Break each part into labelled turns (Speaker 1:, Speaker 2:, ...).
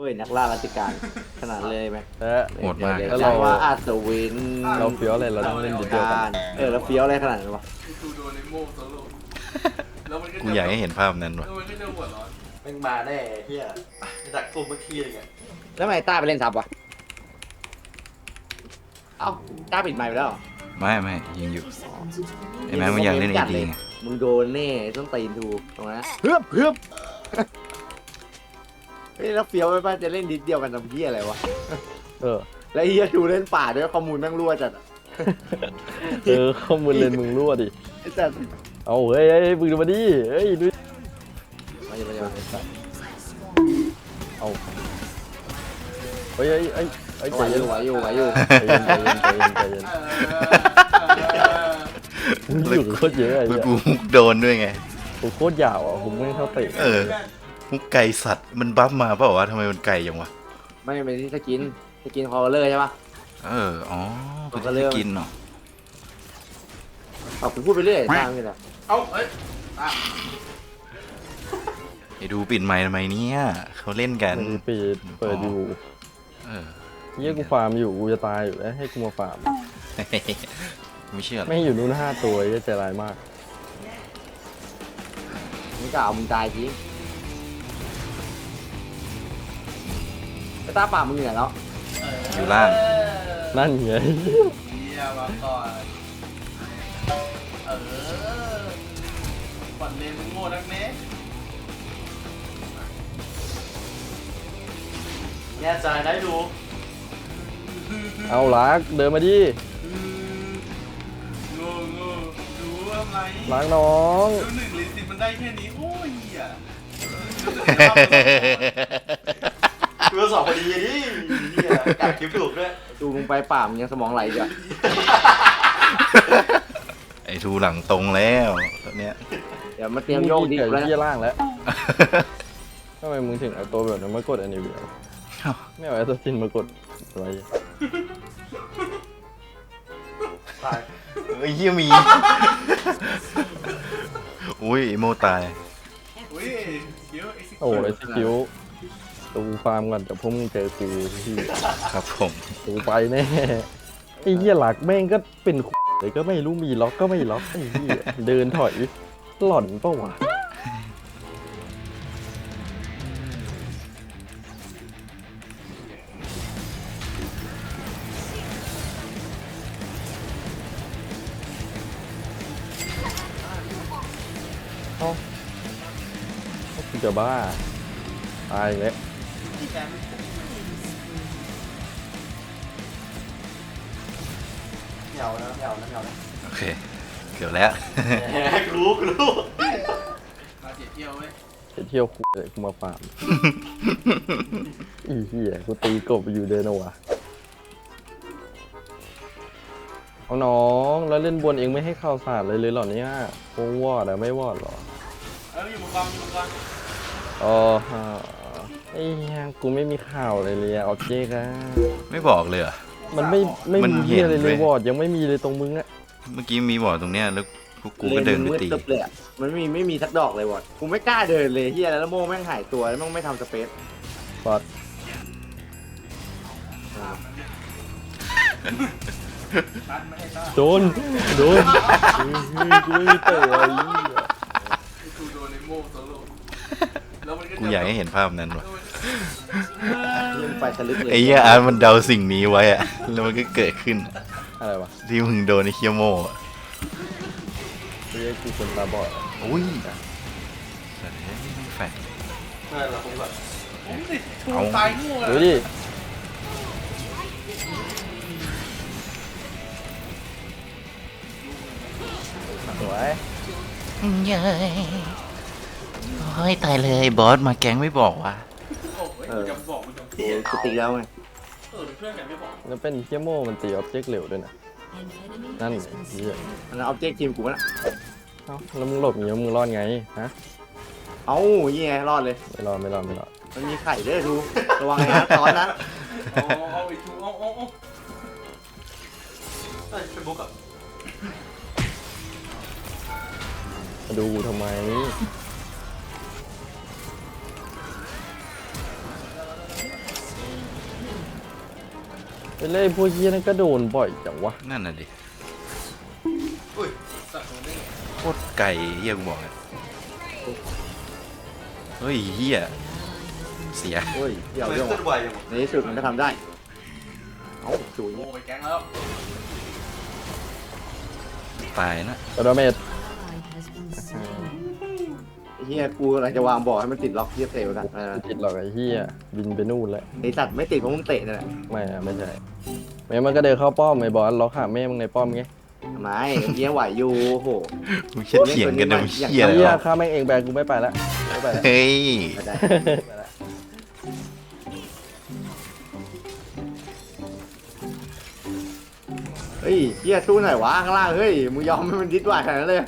Speaker 1: ยนักล่าราชการขนาดเลยไหม
Speaker 2: โหดมาก
Speaker 1: เดี๋ยว
Speaker 3: แล้ว
Speaker 1: จั
Speaker 3: เรา
Speaker 1: งว่าอาสวิน
Speaker 3: เราเฟี้ยวอะไรเราต้องเล่นเดียวกั
Speaker 1: กาน รแล้วเฟี้ยวอะไรขนาดนั้นวะ
Speaker 4: ดูโดนในโม่โซโล่แล้วมันก็
Speaker 2: กูอยากให้เห็นภาพนั้นว่ะ
Speaker 4: แล้วมันก็จะหัวร้อน
Speaker 5: แม่งมาแน่เฮียดักซุ่มเมื่อกี้เลยไง
Speaker 1: แล้วทำไมต้าไปเล่นซับวะเอ้าต้าปิดไมค์ไปแล้วเหรอ
Speaker 2: ไม่ยังอยู่ไอ้แม่มันอยากเล่นเอดีไง
Speaker 1: มึงโดนแน่ต้องตีนถูกตรงนั้นเฮือบเฮ้ยแล้วเฟี้ยวไปป่ะจะเล่นดิสเดียวกันทำเพี้ยอะไรวะ
Speaker 3: เออ
Speaker 1: แล้วเฮียดูเล่นป่าด้วยข้อมูลแม่งรั่วจัดอะ
Speaker 3: ข้อมูลเลนมึงรั่วดิ
Speaker 1: ไอ้จัด
Speaker 3: เอาเฮ้ยมึงดูมาดิเฮ้ยดู
Speaker 1: มาอย่า
Speaker 3: เอาเฮ้ยใจ
Speaker 1: ไหว
Speaker 3: เย็น
Speaker 1: อยู่ไหวอยู่
Speaker 3: ใจเย็นมึงอยู่โคตรเยอะไอ้
Speaker 2: เมื่อ
Speaker 3: เหี้ย
Speaker 2: กูมุกโดนด้วยไง
Speaker 3: กูโคตรยาวอ่ะผมไม่เท่าเตะ
Speaker 2: เออมุกไก่สัตว์มันบัฟมาเปล่าวะทำไมมันไก่ยังวะ
Speaker 1: ไม่เป็นที่สกินคอลเลอร์ใช่ปะ
Speaker 2: อ๋อเป็น
Speaker 1: ก็เริ่
Speaker 2: ที่
Speaker 1: ม
Speaker 2: กินเนาะ
Speaker 1: เอาคุณพูดไปเรื่อยตามนี่แหละ
Speaker 4: เอ้าเอ้ย
Speaker 2: ไอ้ดูปิดไมค์ทำไมเนี่ยเขาเล่นกัน
Speaker 3: มึงเปิดอยู่
Speaker 2: เออ
Speaker 3: เยี่ยกูฟาร์มอยู่กูจะตายอยู่แล้วให้กูมาฟาร์ม
Speaker 2: ไม่เชื่อหรอก
Speaker 3: ไม่อยู่นู่น5 ตัวเยี่ยใจร้ายมาก
Speaker 1: มึงกล่าวมึงตายจริงไอ้ตาป่ามึงอยู่ไหนแล้ว
Speaker 2: อยู่ล่าง
Speaker 3: นั่นไง
Speaker 4: เฮียมาก่อนปั่นเลนมึงโง่นักเน้
Speaker 5: แง่ใจได้ดู
Speaker 3: เอาลักเดินมาดิ
Speaker 4: โง่ดูทำไม
Speaker 3: ล้างน้อง
Speaker 4: ดู1 หรือ 10มันได้แค่นี้โอ้ยเหี้ย
Speaker 5: ดูสองพอดีดิเฮียกัดคลิปถูกด้วย
Speaker 1: ดูมึงไปป่ามึงยังสมองไหลอยู่อะ
Speaker 2: ไอ้ทูหลังตรงแล้วตอนเนี้ย
Speaker 1: เดี๋ยวมาเตรียมโยกดิ
Speaker 3: เกิด
Speaker 1: แล้ว
Speaker 3: เยี่ยล่างแล้วทำไมมึงถึงเอาตัวแบบนั้นมากดอันนี้เวียไม่เอาไอ้ตัวซินมากดอะไร
Speaker 5: ตาย
Speaker 2: ไอ้เหี้ยมี อุ้ยไอ้โมตาย
Speaker 4: อุ้ยเดี๋ยวไอ้
Speaker 3: โอ้ไอ้สกิลตูฟาร์มก่อนเดี๋ยวพวกมึงเจอกูที่
Speaker 2: ครับผม
Speaker 3: ตูไปแน่ไอ้เหี้ยหลักแม่งก็เป็นเลยก็ไม่รู้มีล็อกก็ไม่ล็อกไอ้เหี้ยเดินถอยหล่อนเปล่าวะกูจะบ้าตายอีกแล้ว
Speaker 5: เหงานะเหงานะเหงานะ
Speaker 2: โอเคเกือบแล้ว
Speaker 5: กูรู้
Speaker 4: มาเจ็ดเที่ยวเว้ย
Speaker 3: ไปเที่ยวคุยเลยกูมาฟาร์ม อีเหี้ยกูตีกบอยู่เดินเอาวะเอาน้องแล้วเล่นบนเองไม่ให้ข่าวสารเลยเหรอเนี่ยคงวอดอะไม่วอดเหรอ
Speaker 4: อยู่มังกรอยู่มังกร
Speaker 3: อ๋อฮะไอ้เหี้ยกูไม่มีข่าวเลยเลยเอาเจ๊กอะ
Speaker 2: ไม่บอกเลยเหรอ
Speaker 3: มันไม่
Speaker 2: มัน
Speaker 3: มี
Speaker 2: เห็
Speaker 3: เหี้ย
Speaker 2: น
Speaker 3: อะไรเล
Speaker 2: เว้
Speaker 3: ย
Speaker 2: ย
Speaker 3: วอดยังไม่มีเลยตรงมึงอะ
Speaker 2: เมื่อกี้มีบอกตรงเนี้ยแล้วพวกกูก็เดินไปตี
Speaker 1: ลยมึงมืดตึ๊บเลยอะมันไม่มีสักดอกเลยวอดกูไม่กล้าเดินเลยเฮียแล้วโม่แม่งหายตัวแล้วแม่งไม่ทำสเปซ
Speaker 3: ฟอด
Speaker 4: ตันไม่ให้ต้า
Speaker 3: โดนเฮ้ยกูไม่มีเตะไอ้เหี้ย
Speaker 4: ดูโดนในโม่โซโล่แล้วมันก็
Speaker 2: กูอยากให้เห็นภาพนั้นว่ะ
Speaker 1: เล่นไปทะลึกเลย
Speaker 2: ไอ้เหี้ยอาร์ตมันเดาสิ่งนี้ไว้อะแล้วมันก็เกิดขึ้น
Speaker 3: อะไรวะ
Speaker 2: ที่มึงโดนไอ้เคียโมอะ
Speaker 3: เฮ้ยกูคนตาบอดอะ
Speaker 2: อุ้ยสัตว์เอ้ยไม่แฟร์
Speaker 5: เราคงแบบ
Speaker 4: ผมติดทูตายโง่
Speaker 3: ดู
Speaker 4: อะ
Speaker 3: ดิสวย
Speaker 2: เย้ยโอ้ยตายเลยบอสมาแก๊งไม่บอกว่ะ
Speaker 4: โอ้ยกูจะบอกกูจะ
Speaker 1: โอ้ยกูตีแล้วไง
Speaker 4: เพื่อนกันไม่บอก
Speaker 3: แล้วเป็นเคียโมมันตีออบเจกต์เร็วด้วยนะนั่นไงเหี้ย
Speaker 1: มันเอาเจ๊กทีมกูวะนะ
Speaker 3: เอ้าแล้วมึงหลบอย่างเงี้ยมึงรอดไงฮะ
Speaker 1: เอ้ายี่ไงรอดเลย
Speaker 3: ไม่รอด
Speaker 1: มันมีไข่ด้วยดูระวังนะตอนนั้น
Speaker 4: เอาไอ้ทูเอา
Speaker 5: เฮ้ยเป็นบุ๊กอะ
Speaker 3: มาดูกูทำไมไปเล่นพวกเหี้ยนั่นก็โดนบ่อยจังวะ
Speaker 2: นั่นน่ะดิ
Speaker 5: อุ้ย
Speaker 4: สัตว์โดนได้ไง
Speaker 2: โคตรไก่เฮียกูบอกเลยเฮ้ยเฮียเสีย
Speaker 1: เฮ้ยเดี๋ยว
Speaker 5: ทำไม
Speaker 1: เรื่อง
Speaker 5: เคลื่อนไหวอย่างวะ
Speaker 1: ในที่สุดมันก็ทำได้เอ้าจุย
Speaker 4: โม่ไปแก๊งแล้ว
Speaker 2: ตายนะ
Speaker 3: กระโดดเมด
Speaker 1: ไอ้เฮียกูกำลังจะวางบอกให้มันติดล็อกเฮียเตะกันอะไรนะ
Speaker 3: ติดหรอกไอ้เหี้ยบินไปนู่นแล้ว
Speaker 1: ไอสัตว์ไม่ติดเพราะมึงเตะนั่นแหละ
Speaker 3: ไม่อะไม่ใช่แม่มันก็เดินเข้าป้อมไอ้บอสล็อกหาแม่มึงในป้อมไง
Speaker 1: ทำไมเฮียไหวอยู่โอ้โห
Speaker 2: มึงเชี่ยเถียงกันเดี๋ยวเฮีย
Speaker 3: เหี้ย
Speaker 2: แล้ว
Speaker 3: ข้าแม่งเองแบกกูไม่ไปแล้วไม่ไปแล้ว
Speaker 2: เฮ้ย
Speaker 1: ไม่ได้เฮ้ยเฮียสู้หน่อยวะข้างล่างเฮ้ยมึงยอมให้มันดิ้นไหวขนาดนั้นเลย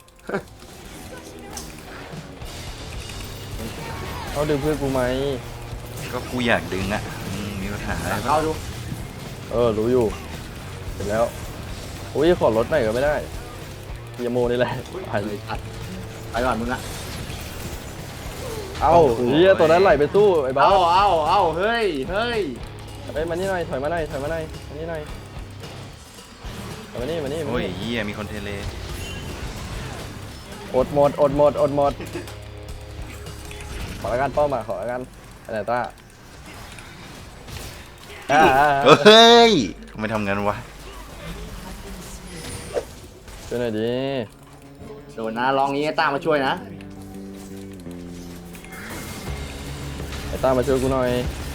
Speaker 3: เขาดึงเพื่อนกูไหม
Speaker 2: ก็กูอยากดึงอ่ะมีปัญหาอะไรปะ
Speaker 1: เข้าดู
Speaker 3: รู้อยู่เสร็จแล้วอุ้ยขอรถหน่อยก็ไม่ได้เฮียโมนี่แหละไปเลย
Speaker 1: ไปก่อนมึงอะ
Speaker 3: เอ้าเฮียตัวนั้นไหลไปสู้ไอ้บอ
Speaker 1: เอา
Speaker 3: ส
Speaker 1: เฮ้ยเฮ้ย
Speaker 3: เฮ้ยมานี่หน่อยถอยมาหน่อยถอยมาหน่อยมานี่หน่อยถอยมานี่มานี่มา
Speaker 2: โอ้ย
Speaker 3: นี่
Speaker 2: เฮียมีคนเทเล
Speaker 3: อดหมดขอละกันป้อมมาขอละกันอะไรต้า
Speaker 2: เฮ้ยทำไมทำงั้นวะ
Speaker 3: ช่วยหน่อยดิ
Speaker 1: โดนนะลองนี้ให้ต้ามาช่วยนะ
Speaker 3: ไอ้ต้ามาช่วยกูหน่อย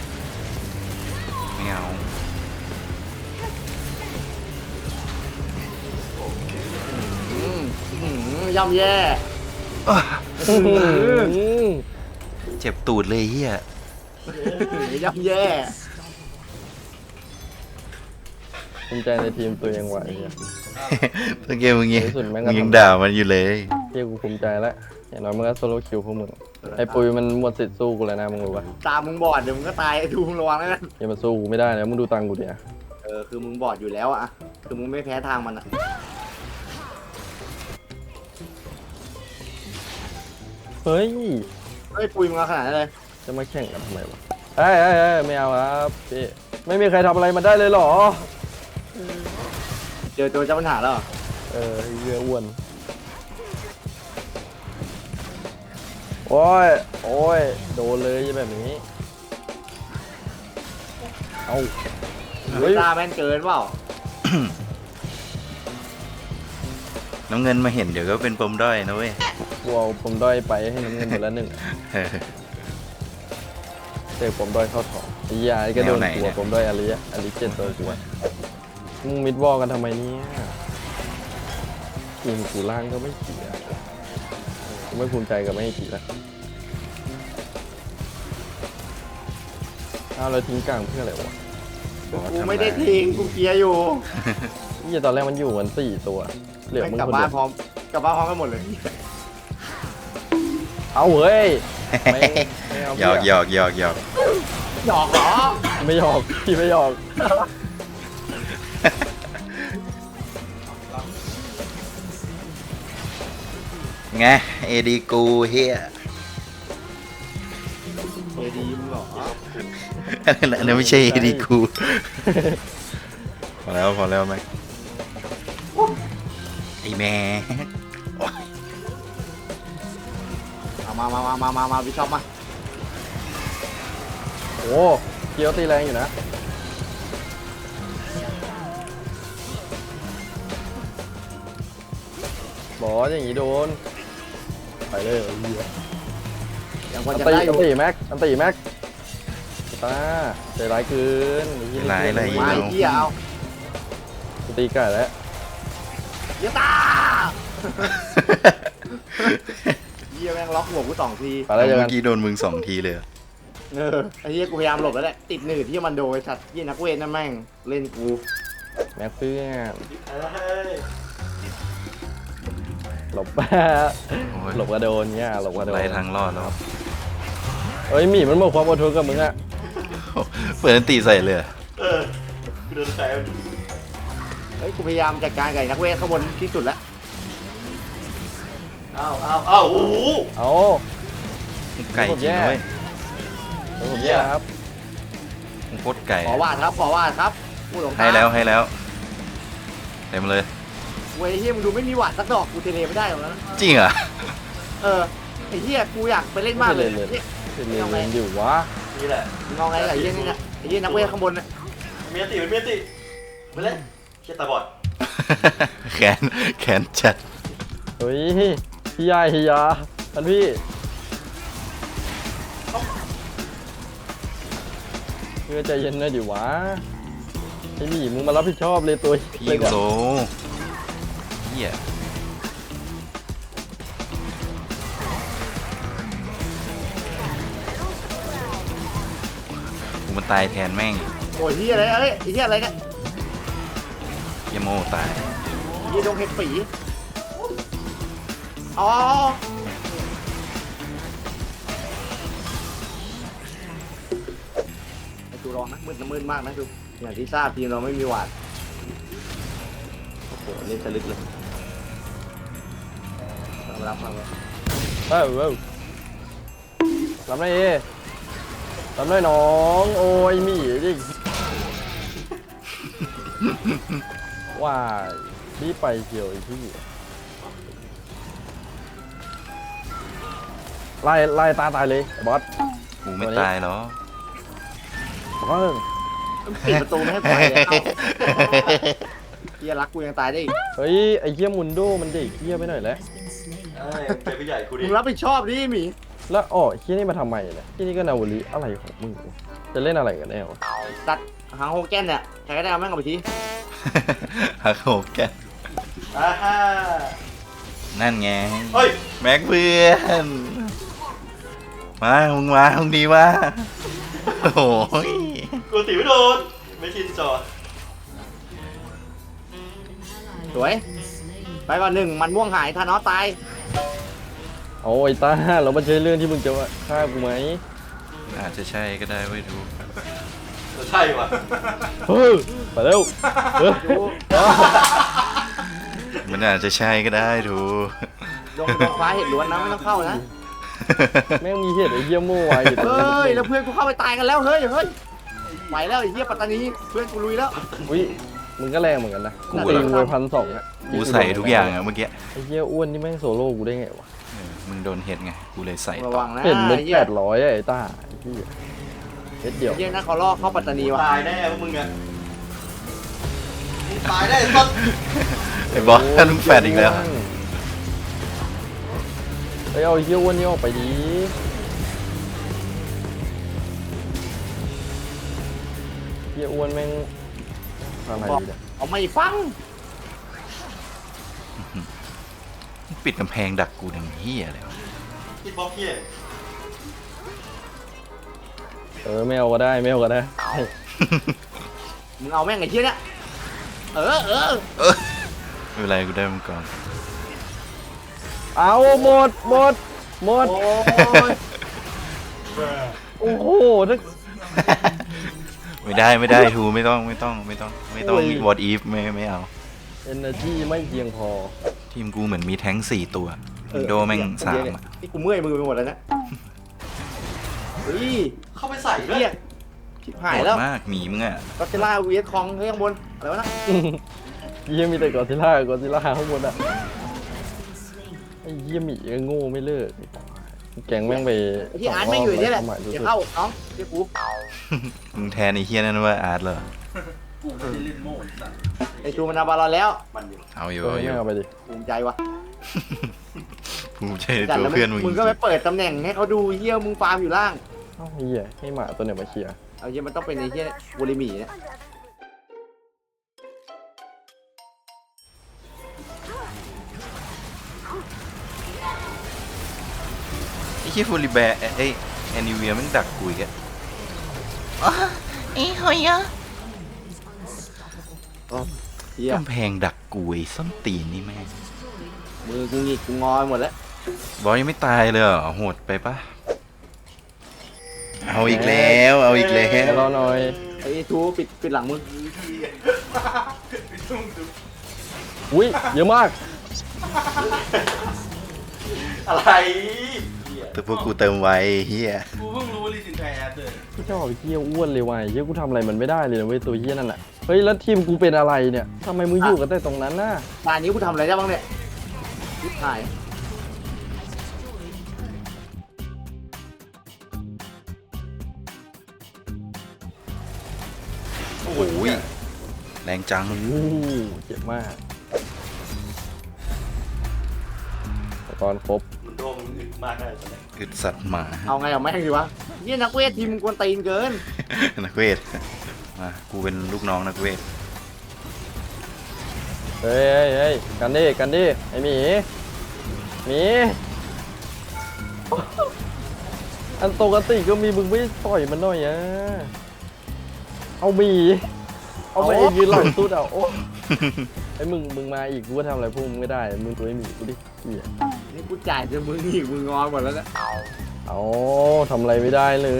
Speaker 2: ไม่เอา
Speaker 1: ย่ำแย่
Speaker 2: เจ็บตูดเลยเฮีย
Speaker 1: ย่ำแย่
Speaker 3: ภูมิใจในทีมตัวเองว่ะไอ้เหี้ย
Speaker 2: เมื่อกี้มึงยัง
Speaker 3: ในที่สุดแม่งก็
Speaker 2: มึงยัง
Speaker 3: ทำ
Speaker 2: ด่ามันอยู่เลย
Speaker 3: เฮียกูภูมิใจแล้วอย่างน้อยมึงก็โซโล่คิวพวกมึงไอ้ปุยมันหมดสิทธิ์สู้กูแล้วนะมึงรู้ปะ
Speaker 1: ตามึงบอดเดี๋ยวมึงก็ตายดูมึงระวังแล้วนะ
Speaker 3: อย่ามาสู้กูไม่ได้แล้วมึงดูตังค์กูดิอะ
Speaker 1: คือมึงบอดอยู่แล้วอะคือมึงไม่แพ้ทางมันอะ
Speaker 3: เฮ้ย
Speaker 1: เฮ้ยปุยมึงเอาขนาดนั้นเลย
Speaker 3: จะมาแข่งกันทำไมวะเอ้ยไม่เอาครับพี่ไม่มีใครทำอะไรมันได้เลยเหรอ
Speaker 1: เจอตัวเจ้าปัญหาแล้วเหรอ
Speaker 3: เรืออ้วนโอ้ยโดนเลยแบบนี้เอา
Speaker 1: เฮ้ยตาแม่นเกินเปล่า
Speaker 2: น้ำเงินมาเห็นเดี๋ยวก็เป็นปมด้อยนะเว้ย
Speaker 3: กูเอาผมด้อยไปให้น้ำเงินหมดแล้วหนึ่ง
Speaker 2: เออ
Speaker 3: เตะผมด้อยเข้าถองไอ้ยาไอ้ก็โดน
Speaker 2: แนวไหน
Speaker 3: ตั
Speaker 2: เนี่
Speaker 3: วย ผมด้อยอลิเจนตัวกูอะมึงมิดวอลกันทำไมเนี่ยทีมกูล่างก็ไม่เสียกูไม่ภูมิใจกับไม่ให้ขี่แล้วเอาเราทิ้งกลางเพื่ออะไรวะ
Speaker 1: กูไม่ได้ทิ้งกูเคลียร์อยู่
Speaker 3: นี่ตอนแรกมันอยู่กัน4 ตัวเหลือ
Speaker 1: แม่ง
Speaker 3: มึง
Speaker 1: กลับ
Speaker 3: คน
Speaker 1: บ้า
Speaker 3: เดี
Speaker 1: น
Speaker 3: ยว
Speaker 1: พร้อมกลับบ้านพร้อมกันหมดเลย
Speaker 3: เอาเฮ้ยไม่เอา
Speaker 2: หยอกหยอกหยอกหยอก
Speaker 1: หยอกเหรอ
Speaker 3: ไม่หยอกพี่ไม่หยอก
Speaker 2: ไงเอดีกูเฮีย
Speaker 1: เอดีมึงเหรอ
Speaker 2: อันนั้นไม่ใช่เอดีกูพอแล้วไหมไอแม่
Speaker 1: เอามาวิชอปมา
Speaker 3: โอ้เกียวตีแรงอยู่นะบอสอย่างนี้โดนไปเลยเหี้ย
Speaker 1: ยังพอ
Speaker 3: อัน
Speaker 1: จะ
Speaker 3: ตี
Speaker 1: ได้อยู่
Speaker 3: แม็กตาใจร้ายเกิน
Speaker 2: ร้ายอะไร
Speaker 1: มาไอ้เหี้ยเอา
Speaker 3: ตีไก่แล้ว
Speaker 1: เหี้ยตาเหี้ยแม่งล็อกหัวกู2 ที
Speaker 3: ไปแล้วเจอ
Speaker 2: เมื่
Speaker 3: กัน
Speaker 2: อกี้โดนมึง2 ทีเลยอะ
Speaker 1: ไอ้เหี้ยกูพยายามหลบแล้วแหละติดหนืดที่มันโดนไอ้สัตว์เหี้ยนักเวทนั่นแม่งเล่นกู
Speaker 3: แม็กเพื่อน
Speaker 5: เฮ้ย
Speaker 3: หลบ
Speaker 2: โอ้ย
Speaker 3: หลบกระโดนเนี่ยหลบกระโดน
Speaker 2: ไล่ทางรอดแล้ว
Speaker 3: เฮ้ยหมีมันหมดความอดทนกับมึงอะ
Speaker 2: เปิดอันตีใส่เลยอะ
Speaker 5: กูโดนใคร
Speaker 1: เฮ้ยกูพยายามจัดการกับไอ้นักเวทข้างบนที่สุดแล้ว
Speaker 5: อ้าวโอ้โห
Speaker 3: เอา
Speaker 2: ไก่จริงนะเว้ย
Speaker 3: ผมแย่ครับ
Speaker 2: มึงโคตรไก่
Speaker 1: ขอวาดครับกูหลง
Speaker 2: ให้แล้วให้แล้วเต็มเลย
Speaker 1: เว้ยเฮียมึงดูไม่มีหวาดสักดอกกูเทเลไม่ได้หรอกนะ
Speaker 2: จริงเหรอ
Speaker 1: เออไอ้เฮียกูอยากไปเล่นมากเลย
Speaker 3: ไม่
Speaker 1: เนี่ย
Speaker 3: เป็นเล่นอยู่วะ
Speaker 5: นี่แหละ
Speaker 1: มึงเอาไงกับไอ้เฮียนี่เนี่ยไอ้เฮียนักเวทข้างบนเนี่ย
Speaker 5: เมียติมันเมียติไปเล่นเชี่ยตาบอด
Speaker 2: แขนแขนจัด
Speaker 3: เฮ้ยพี่ยายพี่ยาท่านพี่เพื่อใจเย็นหน่อยดิวะไอ้หมีมึงมารับผิดชอบเลยตัว
Speaker 2: พี่
Speaker 3: เลย
Speaker 2: ยู
Speaker 3: อะ
Speaker 2: โรเฮียกูมันตายแทนแม่ง
Speaker 1: โอ้ยเฮียอะไรเอ้ยไอ้เฮียอะไรเนี่ย
Speaker 2: เฮียโมตาย
Speaker 1: เฮียดงเห็ดฝีอ๋อไอ้ดูรองนะมืดมากนะดูอย่างที่ทราบทีมเราไม่มีหวาดโอ้โหเล่นสลึกเลยรับมาเลย
Speaker 3: เอ้ารับหน่อยรับหน่อยน้องโอ้ยหมีดิว้ายรีบไปเกี่ยวไอ้พี่ไล่ตายเลยไอ้บอส
Speaker 2: กูไม่ตายหรอ
Speaker 3: บอส
Speaker 1: ปิดประตูไม่ให้ปล่อยเลยเอ้าเฮียรักกูยังตายได้อีก
Speaker 3: เฮ้ยไอ้เหี้ยมุนโดมันเด็กเหี้ยไปหน่อยแล้ว
Speaker 5: เป็นผู้ใหญ่กูดิ
Speaker 1: มึงรับผิดชอบดิหมี
Speaker 3: แล้วอ๋อเหี้ยนี่มาทำไมเนี่ยที่นี่ก็นาวลีอะไรของมึงวะจะเล่นอะไรกันแน่วะ
Speaker 1: ตัดหางโฮแกนเนี่ยใครก็ได้เอาแม่งเอาไปที
Speaker 2: ฮักโหกแก
Speaker 5: อ่าฮ่า
Speaker 2: นั่นไง
Speaker 5: เฮ้ย
Speaker 2: แม็กเพื่อนมามึงดีวะโอ้ย
Speaker 5: กูตีไม่โดนไม่ชินจอ
Speaker 1: สวยไปก่อนหนึ่งมันม่วงหายทานอสตาย
Speaker 3: เอาไอ้ตาเรามาใช้เรื่องที่มึงจะว่าฆ่ากูไหม
Speaker 2: อาจจะใช่ก็ได้ไม่รู้
Speaker 5: ใช่ว่ะ
Speaker 3: เฮ้ยไปเร็วเฮ้ย
Speaker 1: ดู
Speaker 2: มันอาจจะใช่ก็ได้ดู
Speaker 1: ดงฟ้าเห็ดล้วนนะไม่ต้องเข้านะ
Speaker 3: แม่งมีเหตุไอ้เหี้ยโม่ไว้อยู่ตรง
Speaker 1: เฮ้
Speaker 3: นั้น
Speaker 1: ยแล้วเพื่อนกูเข้าไปตายกันแล้วเฮ้ยไปแล้วไอ้เหี้ยปัตตานีเพื่อนกูลุยแล้ว
Speaker 3: อุ้ยมึงก็แรงเหมือนกันนะ
Speaker 2: กู
Speaker 3: กูตีมวย1,200อ่ะ
Speaker 2: กูใส่ทุกอย่างอะเมื่อกี้
Speaker 3: ไอ้เหี้ยอ้วนนี่แม่งโซโล่กูได้ไงวะ
Speaker 2: มึงโดนเห็ดไงกูเลยใส่
Speaker 1: ระ
Speaker 2: ต่อ
Speaker 1: วังนะ
Speaker 3: เห็นเม็ด
Speaker 1: ไอ้เหี้ย
Speaker 3: 800อะไอ้ต้าไอ้เหี้ยเม็ดเดียว
Speaker 1: ไอ้เหี้ยนะเขาล่อเข้าปัตตานีว่ะ
Speaker 5: ตายแน่พวกมึงอะมึงตายแน่สัส
Speaker 2: ไอ้บอสท่านมึงแฟดอีกแล้ว
Speaker 3: ไปเอาไอ้เหี้ยอ้วนนี่ออกไปดิเหี้ยอ้วนแม่งอะไรเนี่ย
Speaker 1: เอาไม่ฟัง
Speaker 2: ปิดกำแพงดักกูดังเฮียเลยวะ
Speaker 5: คิดบล็อกเฮีย
Speaker 3: ไม่เอาก็ได้ไม่เอาก็ได้
Speaker 1: มึงเอาแม่งไอ้เหี้ยเนี่ยเออ
Speaker 2: ไม่เป็นไรกูได้มังกร
Speaker 3: เอาหมด
Speaker 1: โอ้ย
Speaker 3: โอ้โหถ้า
Speaker 2: ไม่ได้ทูไม่ต้องวอดอีฟไม่เอา
Speaker 3: energy ไม่เพียงพอ
Speaker 2: ทีมกูเหมือนมีแท้ง4 ตัววินโดแม่ง3อะ
Speaker 1: นี่กูเมื่อยมือไปหมดแล้วนะเฮ้ย
Speaker 5: เข้าไปใส่ด้วย
Speaker 1: เหี้ยชิบหายแล้ว
Speaker 2: โหดมากหมีมึงอะ
Speaker 1: ก็จะล่าวีเอสคองเฮ้ยข้างบนอะไรวะนะ
Speaker 3: เยี่ยมีแต่กอซิล่าข้างบนอ่ะไอ้เยี่ยหมีก็โง่ไม่เลิกแกงแม่งไป
Speaker 1: ไอ้ที่อาร์ตไม่งอยู่เนี่ยแหละ
Speaker 3: สงรอบ
Speaker 1: เดี๋ยวเข้าน้องเดี๋ยวกู
Speaker 2: มึงแทนไอ้เฮียนั่นว่าอาร์ตเหรอ
Speaker 4: กูไม่ได้เล่นโม่สัตว์
Speaker 1: ไอ้จูมันเอาบอลเราแล้ว
Speaker 5: มันอยู่
Speaker 2: เอาอยู่
Speaker 3: ไม่เอาไปดิ
Speaker 1: ภูมิใจวะ
Speaker 2: ภูมิใจใน
Speaker 1: จัด
Speaker 2: ตัว
Speaker 1: แล้ว
Speaker 2: เพื่อนมึง
Speaker 1: มึงก็ไปเปิดตำแหน่งให้เขาดูเยี่ยมึงฟาร์มอยู่ล่าง
Speaker 3: เอ้าไอ้เหี้ยให้หมาตัวเนี่ยมาเคลียร์
Speaker 1: เอาเยี่ยมันต้องเป็นไอ้เยี่ยบูริหมีเนี่ย
Speaker 2: ไอ้เฮียฟูริแบร์ไอ้แอนิเวียมันดักกูอีกอะ
Speaker 1: เยี่ย
Speaker 2: กำแพงดักกูไอ้ส้นตีนนี่แม่ง
Speaker 1: มือกูหงิกกูงอยหมดแล้ว
Speaker 2: บอยยังไม่ตายเลยเหรอโหดไปปะเอาอีกแล้วเอาอีกแล้ว
Speaker 3: รอหน่อย
Speaker 1: ไอ้ทูปิดหลังมึง
Speaker 3: อุ้ยเยอะมาก
Speaker 5: อะไรเหี้ย
Speaker 2: แต่พวกกูเติมไว้เฮีย
Speaker 5: กูเพิ่งรู้ว่าลีซินไทยแอดเลย
Speaker 3: พี่ชอบไอ้เหี้ยอ้วนเลยว่ะเหี้ยกูทำอะไรมันไม่ได้เลยนะเว้ยตัวเหี้ยนั่นน่ะเฮ้ยแล้วทีมกูเป็นอะไรเนี่ยทำไมมึงอยู่กันแต่ตรงนั้นน่ะ
Speaker 1: ตอนนี้กูทำอะไรได้บ้างเนี่ยยิบหาย
Speaker 2: โอ้ยแรงจัง
Speaker 3: โอ้โหเจ็บมากตอนครบ
Speaker 5: มันโดนมันอึดมากได้ตอนนี้
Speaker 2: อึดสัตว์หมา
Speaker 1: เอาไงเอาแม่งดีวะเนี่ยนักเวททีมมึงกวนตีนเกิน
Speaker 2: นักเวทมากูเป็นลูกน้องนักเวท
Speaker 3: เฮ้ยเฮ้ยกันดิกันดิไอหมีหมีอันปกติก็มีมึงไม่ต่อยมันหน่อยอ่ะเอาหมีเอามาเองยืนหลังสุดอ่ะโอ้ไอ้มึงมาอีกกูก็ทำอะไรพวกมึงไม่ได้มึงตัวไอ้หมีกูดิเหี้ย
Speaker 1: นี่กูจ่ายจนมึงอีกมึงงอนหมดแล้วนะ
Speaker 3: เอาทำอะไรไม่ได้เลย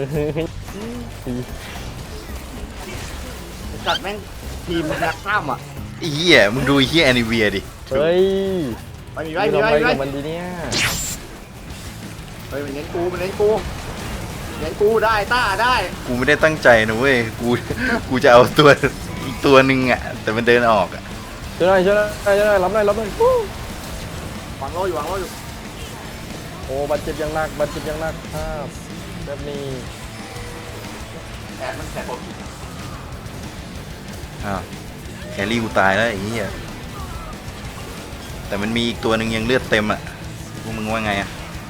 Speaker 1: จัดแม่งทีมนักกล้ามอ่ะ
Speaker 2: ไอ้เหี้ยมึงดูไอ้เหี้ยแอนิเวียดิ
Speaker 3: เฮ้ย
Speaker 1: ไปมี
Speaker 3: ไป
Speaker 1: ไว้มี
Speaker 3: ทำ
Speaker 1: ไว้
Speaker 3: อะไร
Speaker 1: มีไว้
Speaker 3: กับมันดีเนี่ย
Speaker 1: เฮ้ยมันเน้นกูมันเน้นกูเน้นกูได้ต้าได้
Speaker 2: กูไม่ได้ตั้งใจนะเว้ยกูจะเอาตัวอีกตัวหนึ่งอ่ะแต่มันเดินออกอ่ะ
Speaker 3: ช่วยหน่อยช่วยหน่อยช่วยหน่อยรับหน่อยรับหน่อยวู้
Speaker 1: วางโล่อยู่วางโล่อยู่
Speaker 3: โอ้บาดเจ็บยังหนักบาดเจ็บยังหนักครับแบบนี้
Speaker 5: แอดมันแสบปวด
Speaker 2: อ้าวแครี่กูตายแล้วไอ้เหี้ยแต่มันมีอีกตัวหนึ่งยังเลือดเต็มอ่ะพวกมึงว่าไงอ่ะ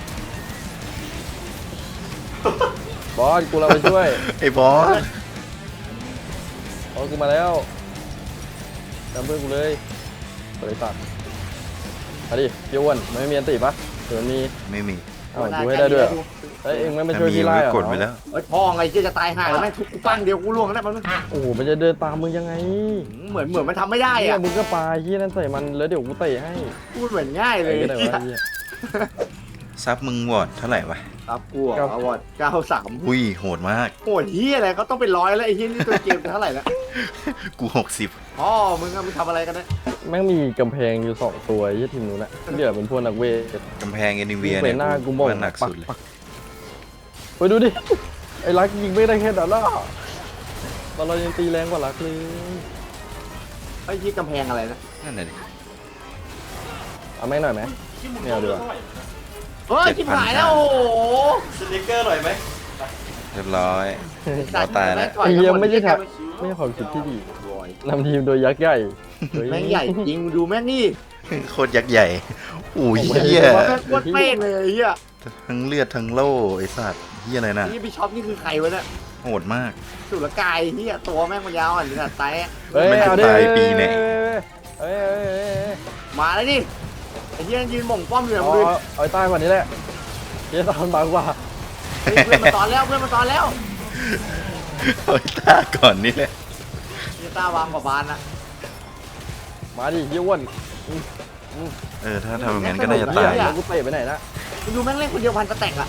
Speaker 3: บอสกูเราไปช่วย
Speaker 2: ไอ้บอส
Speaker 3: บอสกูมาแล้วจำเพื่อนกูเลยบริษัทมาดิเยี่ยวนมันไม่มีอันติปะเดี๋ยวมันมี
Speaker 2: ไม่มี
Speaker 3: อ้าวกูให้ได้ด้วยเหรอเอ้ยเอ็งไม่มา
Speaker 2: ถ้า
Speaker 3: ช่วย
Speaker 2: มี
Speaker 3: พี่
Speaker 2: ก็
Speaker 3: ไล่เหรอ
Speaker 2: กดไปแล้ว
Speaker 1: เฮ้ยพ่อไงเจ๊จะตายห่าแล้วแม่งทุกกูปั้งเดียวกูล่วงแล้วมัน
Speaker 3: โอ้โหมันจะเดินตามมึงยังไง
Speaker 1: เหมือนมันทำไม่ได้
Speaker 3: เนี่ย
Speaker 1: อ่ะ
Speaker 3: มึงก็ปาที่นั่นใส่มันแล้วเดี๋ยวกูเตะให้
Speaker 1: พูดเหมือนง่ายเล
Speaker 3: ไอ้
Speaker 1: ย
Speaker 3: ก็ได้วะเหี้ย
Speaker 2: ซับมึงวอดเท่าไหร่วะ
Speaker 1: ครับกูอ่ะเอาวอด93
Speaker 2: อุ้ยโหดมาก
Speaker 1: โหดเฮียอะไรเขาต้องเป็นร้อยแล้วไอ้เฮียนี่ตัวเกมเท่าไหร่แล้ว
Speaker 2: กู60
Speaker 1: พ่อมึงอะมึงทำอะไรกันเนี่ย
Speaker 3: แม่งมีกำแพงอยู่2ตัวไอ้ทีมนู้นอะเหลือเป็นพวกนักเวท
Speaker 2: กำแพงแอนิเวีย
Speaker 3: ไป
Speaker 2: เนี่ย
Speaker 3: หน้ากูมอง
Speaker 2: ว่าหนักสุดเลย
Speaker 3: ไปดูดิ ไอ้รักยิงไม่ได้แค่นั้นหรอตอนเรายังตีแรงกว่ารักเลย
Speaker 1: ไอ้ที่กำแพงอะไรนะ
Speaker 2: นั่นน่ะดิ
Speaker 3: เอาแม่งหน่อยไหม
Speaker 5: ที่มึง
Speaker 3: ไม่เอาดีกว่า
Speaker 5: เท่าไหร่
Speaker 1: เฮ้ยชิบหายแล้วโอ้โห
Speaker 5: สติ๊กเกอร์หน่อยไหม
Speaker 2: เรียบร้อยรอตายแล้ว
Speaker 3: ไอ้เหี้ยไม่ใช่ทำไม่ใช่ความคิดที่ดีนำทีมโดยยักษ์ใหญ่เฮ้ย
Speaker 1: แม่งใหญ่จริงดูแม่งนี่
Speaker 2: โคตรยักษ์ใหญ่อุ้ยเฮีย
Speaker 1: แม่งโคตรเป๊ะเลยไอ้เฮีย
Speaker 2: ทั้งเลือดทั้งโล่ไอ้สัตว์เฮียอะไรน่ะ
Speaker 1: นี่พี่ช็อปนี่คือใครวะเนี่ย
Speaker 2: โหดมาก
Speaker 1: สุรกายเฮียตัวแม่งมันยาวอ่ะนี่นะไต
Speaker 3: เฮ้ย
Speaker 2: มันจะ
Speaker 3: เอาดิ
Speaker 2: ตายปีไหน
Speaker 3: เฮ้ย
Speaker 1: มาแล้วนี่ไอ้เฮียยืนหม่งป้อมอยู่
Speaker 3: เอา
Speaker 1: มึง
Speaker 3: เอาใต้กว่านี้แหละเฮียตอนบางกว่า
Speaker 1: เพื่อนมาตอนแล้วเพื่อนมาตอนแล้ว
Speaker 2: โอ้ยตาก่อนนี่แหละ
Speaker 1: เฮียตาวางกว่าบานนะ
Speaker 3: มาดิเฮียอ้วน
Speaker 2: ถ้าทำอย่างนั้นก็น่าจะตาย
Speaker 3: เฮีกูเตะไปไหนนะ
Speaker 1: มึงดูแม่งเล่นคนเดียวพันสแต็กอ่ะ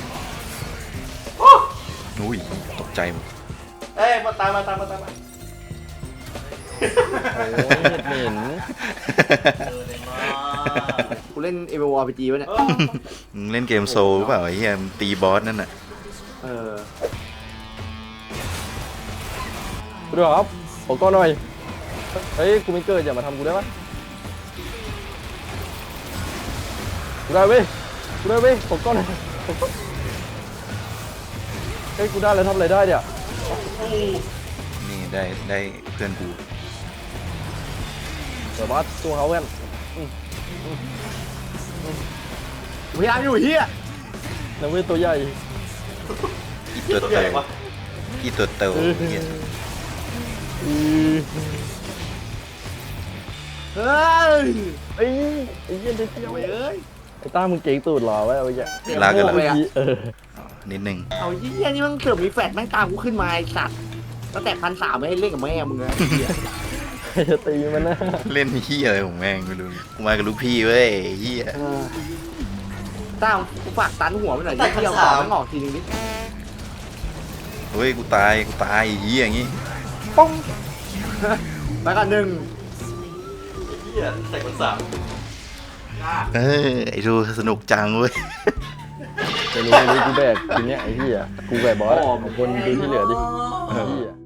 Speaker 2: อุ้ยตกใจหมด
Speaker 5: เอ้ยมาตามมา
Speaker 3: โอ้ยเหม็น
Speaker 5: เลยมา
Speaker 1: กูเล่น MMORPG วะเนี่ย
Speaker 2: มึงเล่นเกมโซลหรือเปล่าไอ้เฮียมึงตีบอสนั่นน่ะ
Speaker 1: เออ
Speaker 3: กูด้วยครับขอก้อนหน่อย เฮ้ย กูไม่เกิดอย่ามาทำกูได้ปะกูได้เว้ยขอก้อนหน่อยขอก้อนเฮ้ย กูได้แล้วทำอะไรได้เนี่ย
Speaker 2: นี่ได้เพื่อนกู
Speaker 3: เดี๋ยวบอสตัวเขาเพื่อน
Speaker 1: พยายามอยู่เฮีย
Speaker 3: นักเวทตัวใหญ่
Speaker 2: อีตัว
Speaker 5: ตัว
Speaker 2: เต
Speaker 5: ใหญ่
Speaker 2: ว
Speaker 5: วะ
Speaker 2: อีตัวเตวเฮีย
Speaker 3: อือ
Speaker 1: เฮ้ย
Speaker 3: ไอ้ไอ้เหี้ยเดียว
Speaker 1: เว้ย
Speaker 3: ไอ้ต้ามึงเก่งตูดหรอวะไอ้เหี้ย
Speaker 2: ลากกัน
Speaker 1: เลย
Speaker 2: แล้ว
Speaker 1: อะ
Speaker 3: เออ
Speaker 2: นิดนึง
Speaker 1: เอาเฮียนี่มันเกือบมีแฟดแม่งตามกูขึ้นมาไอ้สัตว์ตั้งแต่1,300ไม่ให้เล่นกับแม่มึงเลยเฮีย
Speaker 3: ใครจะตีมันนะ
Speaker 2: เล่นเฮียอะไรของแม่งไม่รู้กูมากับลูกพี่เว้ยเฮีย
Speaker 1: ต้ากูฝากตันหัวไปหน่อยดิที่เอาต่อมันออกทีนึงดิ
Speaker 2: เฮ้ยกูตายเฮียอย่างงี้
Speaker 3: ป้อง
Speaker 1: ไปกันหนึ่ง
Speaker 5: เฮียใส่คนสาม
Speaker 2: ไอ้ดูสนุกจังเว้ย
Speaker 3: ไม่รู้กูแบกทีเนี้ยไอ้เหี้ยกูแบกบอสอะคนดูที่เหลือดิไอ้เหี้ย